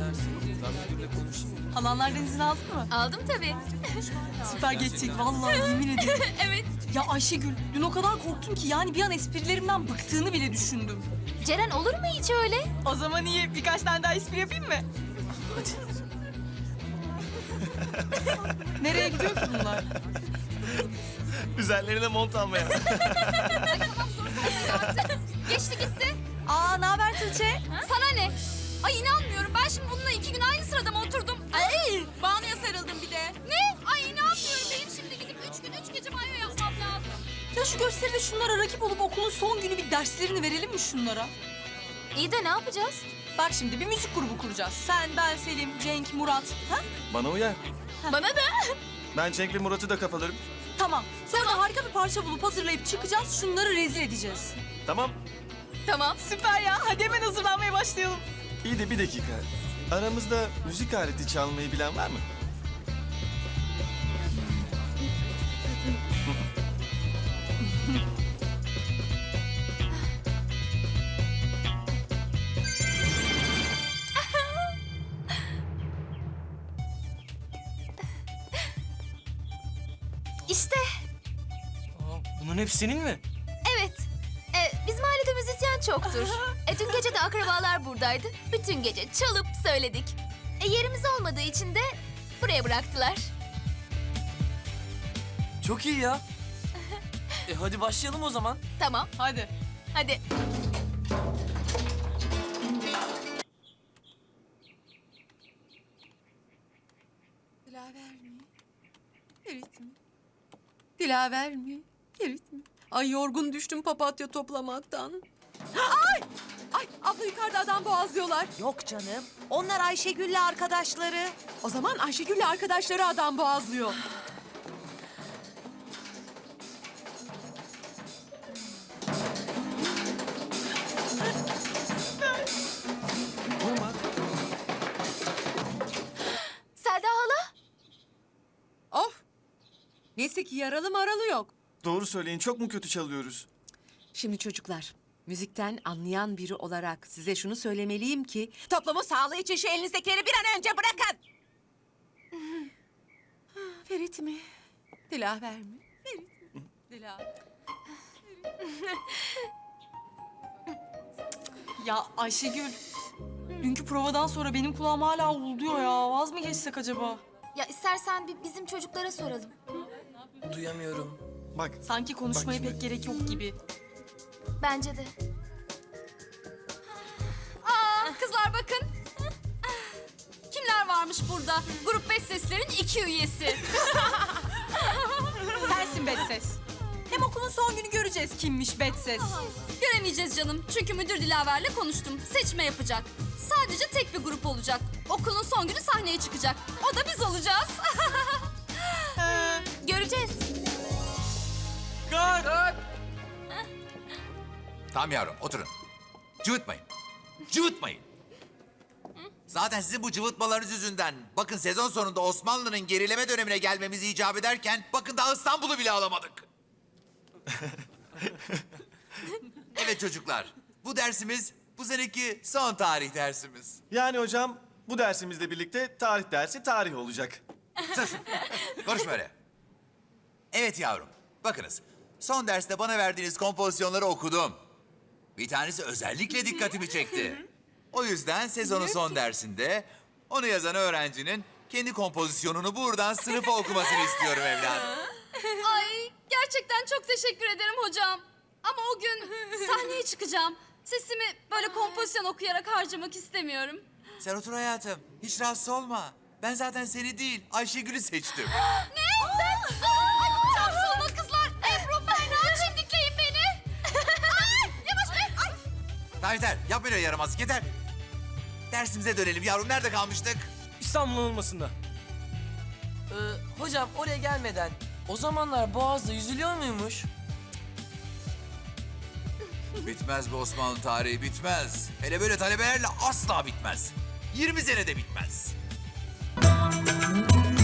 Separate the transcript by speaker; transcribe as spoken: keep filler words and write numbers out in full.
Speaker 1: Halanlardan izin aldın mı?
Speaker 2: Aldım tabii.
Speaker 1: Süper geçecek vallahi yemin ederim.
Speaker 2: Evet.
Speaker 1: Ya Ayşegül dün o kadar korktum ki yani bir an esprilerimden bıktığını bile düşündüm.
Speaker 2: Ceren olur mu hiç öyle?
Speaker 1: O zaman iyi birkaç tane daha espri yapayım mı?
Speaker 3: Hadi.
Speaker 1: Nereye gidiyor ki bunlar?
Speaker 3: Üzerlerine mont almaya.
Speaker 2: Geçti gitti.
Speaker 1: Aa ne haber Tuğçe?
Speaker 2: Sana ne? Ay inanmıyorum. Ben şimdi bununla iki gün aynı sırada mı oturdum? Ay! Banu'ya sarıldım bir de. Ne? Ay inanmıyorum. Benim şimdi gidip üç gün üç gece banyo yapmam lazım.
Speaker 1: Ya şu gösteride şunlara rakip olup okulun son günü bir derslerini verelim mi şunlara?
Speaker 2: İyi de ne yapacağız?
Speaker 1: Bak şimdi bir müzik grubu kuracağız. Sen, ben, Selim, Cenk, Murat. Ha?
Speaker 3: Bana uyar.
Speaker 2: Bana da.
Speaker 3: Ben Cenk ve Murat'ı da kafalarım.
Speaker 1: Tamam. Sonra da harika bir parça bulup hazırlayıp çıkacağız. Şunları rezil edeceğiz.
Speaker 3: Tamam.
Speaker 2: Tamam.
Speaker 1: Süper ya. Hadi hemen hazırlanmaya başlayalım.
Speaker 3: İyi de bir dakika. Aramızda müzik aleti çalmayı bilen var mı?
Speaker 2: İşte.
Speaker 4: Aa, bunların hepsi senin mi?
Speaker 2: Evet. Ee, bizim ailede müzisyen çoktur. E, dün gece de akrabalar buradaydı. Bütün gece çalıp söyledik. E, yerimiz olmadığı için de buraya bıraktılar.
Speaker 4: Çok iyi ya. E hadi başlayalım o zaman.
Speaker 2: Tamam.
Speaker 1: Hadi.
Speaker 2: Hadi.
Speaker 5: Dilaver mi? Ferit mi? Dilaver mi? Ferit mi? Ay yorgun düştüm papatya toplamaktan. Ay! Ay abla yukarıda adam boğazlıyorlar.
Speaker 6: Yok canım. Onlar Ayşegül'le arkadaşları.
Speaker 5: O zaman Ayşegül'le arkadaşları adam boğazlıyor.
Speaker 3: Vurma.
Speaker 2: Selda hala?
Speaker 5: Of! Neyse ki yaralı maralı yok.
Speaker 3: Doğru söyleyin, çok mu kötü çalıyoruz?
Speaker 5: Şimdi çocuklar, müzikten anlayan biri olarak size şunu söylemeliyim ki... ...toplumun sağlığı için şu elinizdekileri bir an önce bırakın. Ferit mi? Dilaver mi? Ferit mi? Dilaver.
Speaker 1: Ya Ayşegül. Dünkü provadan sonra benim kulağım hala uğulduyor ya. Vaz mı geçsek acaba?
Speaker 2: Ya istersen bir bizim çocuklara soralım.
Speaker 4: Duyamıyorum.
Speaker 3: Bak,
Speaker 1: Sanki konuşmaya
Speaker 3: Bak şimdi.
Speaker 1: pek gerek yok gibi.
Speaker 2: Bence de. Aa, kızlar bakın. Kimler varmış burada? Grup beş seslerin iki üyesi.
Speaker 1: Sensin Betses. Hem okulun son günü göreceğiz kimmiş Betses.
Speaker 2: Göremeyeceğiz canım. Çünkü müdür Dilaver'le konuştum. Seçme yapacak. Sadece tek bir grup olacak. Okulun son günü sahneye çıkacak. O da biz olacağız. Göreceğiz.
Speaker 4: Kalk!
Speaker 7: Tamam yavrum, oturun. Cıvıtmayın. Cıvıtmayın. Zaten sizin bu cıvıtmalarınız yüzünden... ...bakın sezon sonunda Osmanlı'nın gerileme dönemine gelmemizi icap ederken... ...bakın daha İstanbul'u bile alamadık. Evet çocuklar, bu dersimiz bu seneki son tarih dersimiz.
Speaker 3: yani hocam bu dersimizle birlikte tarih dersi tarih olacak.
Speaker 7: Sus, konuşma öyle. Evet yavrum, bakınız. Son derste bana verdiğiniz kompozisyonları okudum. Bir tanesi özellikle dikkatimi çekti. O yüzden sezonun son dersinde onu yazan öğrencinin kendi kompozisyonunu buradan sınıfa okumasını istiyorum evladım.
Speaker 2: Ay gerçekten çok teşekkür ederim hocam. Ama o gün sahneye çıkacağım. Sesimi böyle kompozisyon okuyarak harcamak istemiyorum.
Speaker 7: Sen otur hayatım, hiç rahatsız olma. Ben zaten seni değil, Ayşegül'ü seçtim.
Speaker 2: Ne? Ben? Ay, tam sonra kızlar. Ebru, Berna, çimdikleyin beni. Ay, yavaş be. Ay.
Speaker 7: Tamam yeter, yapma öyle yaramazlık, yeter. Dersimize dönelim yavrum, nerede kalmıştık?
Speaker 4: İstanbul olmasında. Ee, hocam oraya gelmeden o zamanlar Boğaz'da yüzülüyor muymuş?
Speaker 7: Bitmez bu Osmanlı tarihi, bitmez. Hele böyle talebelerle asla bitmez. yirmi senede bitmez.